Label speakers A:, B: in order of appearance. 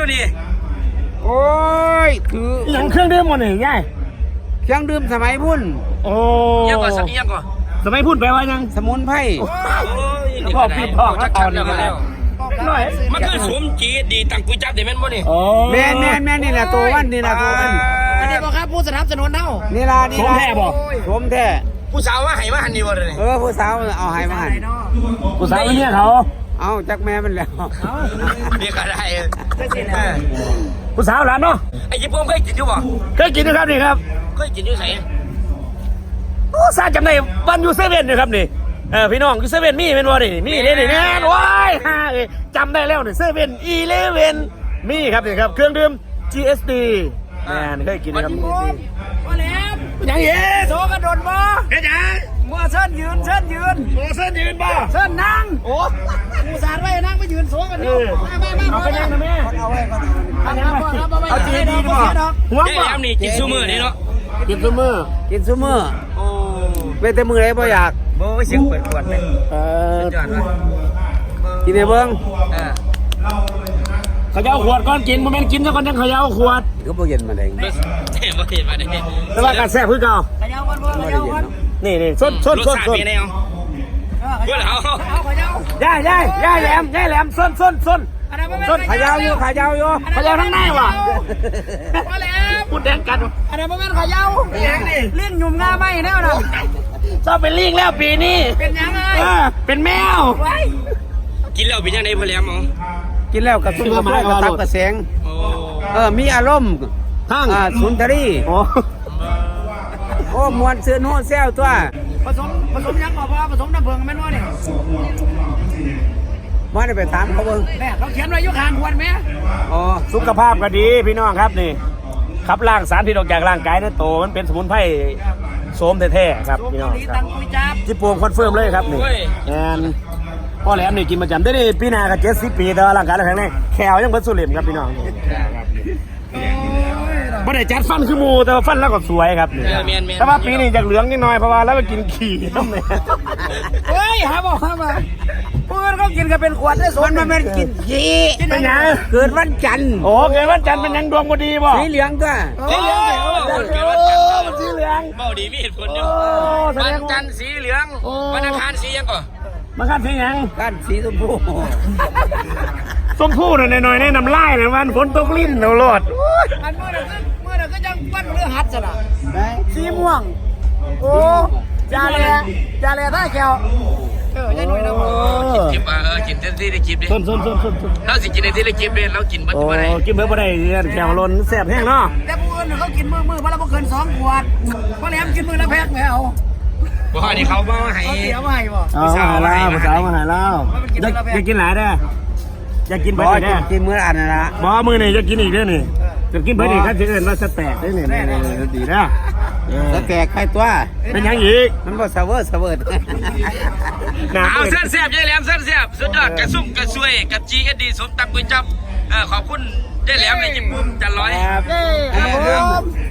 A: นี่
B: โอ้ยคือ
C: อย่างเครื่องดื่มมันนี่ง่าย
B: เครื่องดื่มสมัยพุ่น
C: โอ้
A: ยังก่อนสักยังก่อน
C: สมัยพูดแปลว่ายัง
B: สมุนไพร
C: พ่อพี่พ่อแล้วตอนนี้แล้วน้อย
A: มันคือสวมจีดีตั้งกุยจับเดี๋ยวแม่นบ่นี่
B: แม่นี่แหละตัววันนี่แหละตัววัน
D: อันนี้บอกครับผู้สนับสนุนเท่า
B: นี่ล่ะนี่ล่ะ
C: สมแท้บ่
B: สมแท้
A: ผู้สาวว่าให้มาหันนี่บ่เลย
B: ผู้สาวเอาให้มาหัน
C: ผู้สาวเนี่ยเขา
B: เอาจักแม่มันแล้ว
A: นี่ก็ได้
C: ผู้สาวหลานเนาะ
A: ไอ้ญี่ปุ่นเคยกินอยู่บ่
C: เคยกินนะครับนี่ครับ
A: เคยกินอยู่ไส
C: โอ้ซาจำได้วันยูเซเว่นนะครับนี่พี่น้องยูเซเว่นมีเป็นบ่นี่มีเลยนี่แน่นว้ายฮ่าจำได้แล้วนี่เซเว่น11มีครับนี่ครับเครื่องดื่ม GSD แม่นเคยกินนะครับ
D: มาแล้ว
C: ยังเอ๋
D: โซกระโดดบ่
C: เฮ็ดยัง
D: มัวเส้นยืน
C: โอ้เส้นยืนบ่
D: เส้นนั่งโอ้ผู้สารไว้นั่งไปยืนโซกันอยู่มา
C: เอาไปยังนะแม่
D: เอาไว้ก่อนเอาจีดีบ่
C: หัว
A: แม่นี่กินซูมื้อนี่เนาะ
C: กินซุมื้อ
A: โอ้
B: เว้แต่มื้อใดบ่อยาก
A: บ่เสียงเปิดขวดเลยจอดว่ะ
B: กินให้เบิ่ง
C: เขาจะเอาขวดก่อนกินบ่แม่นกินซะก่อนจังเขาจะเอาขวด
B: ก็บ่เย็นมาได้
A: บ่เห็นมาได้
C: แต่ว่าการแซ่บคือเก่า
D: ขยาวก่อนบ่ขยาวก่อน
C: นี่ๆสด
A: รสชาติเป็นไงเอาเพื่อนเอา
D: ขยาว
C: ย่าแหลมส้น
B: ขยาวอยู่
C: ขยาวทั้งในว่ะ
D: มาแล้ว
C: พูดแดงกัน
D: อันนั้นบ่แม่นขยาวเลี้ยงหยุ่มงาไม่แน่น่ะ
C: ชอบเป็นลิงแล้วปีนี้
D: เป็นยังไง
C: เป็นแมว
A: กินแล้วเป็นยังไงพ่อแหลมเอา
B: กินแล้วกระตุ้นกระเพาะกระตับกระแสงมีอารมณ์
C: ทั้ง
B: สุนทรีโอ้มวนซื่นโหแซวตัว
D: ผสมยังบ่พอผสมน้ำผึ้งแม่นบ่นี่
B: มาได้ไปถามเขาเบิ่ง
D: แม่เราเขียนไว้อยู่ข้างขวดแม่
C: สุขภาพก็ดีพี่น้องครับนี่ขับล้างสารพิษออกจากร่างกายนั่นโตมันเป็นสมุนไพรโสมแท้ๆครับพี่น้องครับที่ปวงคอนเฟิร์มเลยครับนี่แอนพ่อแหลมนี่กินประจำได้นี่พี่นากับ70 ปีแต่ร่างกายเราแข็งแรงแขวยังเพิ่นสุริมครับพี่น้องบ่ได้จัดฟันคือหมูแต่ว่าฟันแล้วก็สวยครับนี่แต่ว่าปีนี้จากเหลืองนิดหน่อยเพราะว่าแล้วก็กินขี้ทำไม
D: เฮ้ยหาบ่เพื่อนเขากินกันเป็นขวดได้สวน
B: มันเป็นกินขี้
C: เป็นยัง
B: เกิดวันจันทร์
C: โอ้เกิดวันจันทร์เป็นยังดวงบ่ดีบ่
B: สีเหลืองก็
A: สีเหลืองเกิดวันจันทร์
C: สีเหลือง
A: เบ้าดีมีเหตุผลอยู่วันจันทร์สีเหลืองวันอังคารสียังก่อน
C: มันคันสียัง
B: กันสีชมพู
C: น่ะหน่อยๆในน้ำลายนะมันฝนตกลิ้นเอาโลด
D: อันเมื่อนั้นก็ยังปั้นเรื่องหัดซะล่ะสีม่วงโอ้จาเลท่าแก้วยังหน่อยนะ
A: กินกินเต็มที่ได้กินดิ
C: ส้น
A: เราสิกินในที่ได้กินเลยเรากินเบิดบ่ได้
C: กินเบิดบ่ได้แก้วล้นแซ่บแห้งเนาะ
D: แต่ผู้อื่นเขากินมื้อวันละบ่เกิน2 ขวดเพราะแหลมกินมื้อละแพ็คแม่เอา
A: บ่นี่เขาบ่ให้
D: เสียมาให้บ่
C: ผู้สาวมาให้แล้วอยากกินหลายเด้ออยากกินเบิดอีกเด้อ
B: กินมื้ออันนั่นล่ะ
C: บ่มื้อนี้จะกินอีกเด้อนี่จะกินเบิดอีกคันสิเอิ้นว่าสแต็กเด้อนี่ดีนะ
B: สแต็กใครตัว
C: เป็นยังอีก
B: มันบ่เสเวิร์ด
A: เอาเส้นแซ่บยายแหลมเส้นแซ่บสุดยอดกระซุ่มกระซวยกับ GSD สมตำกุยจับขอบคุณยายแหลมในญี่ปุ่นจันร้อย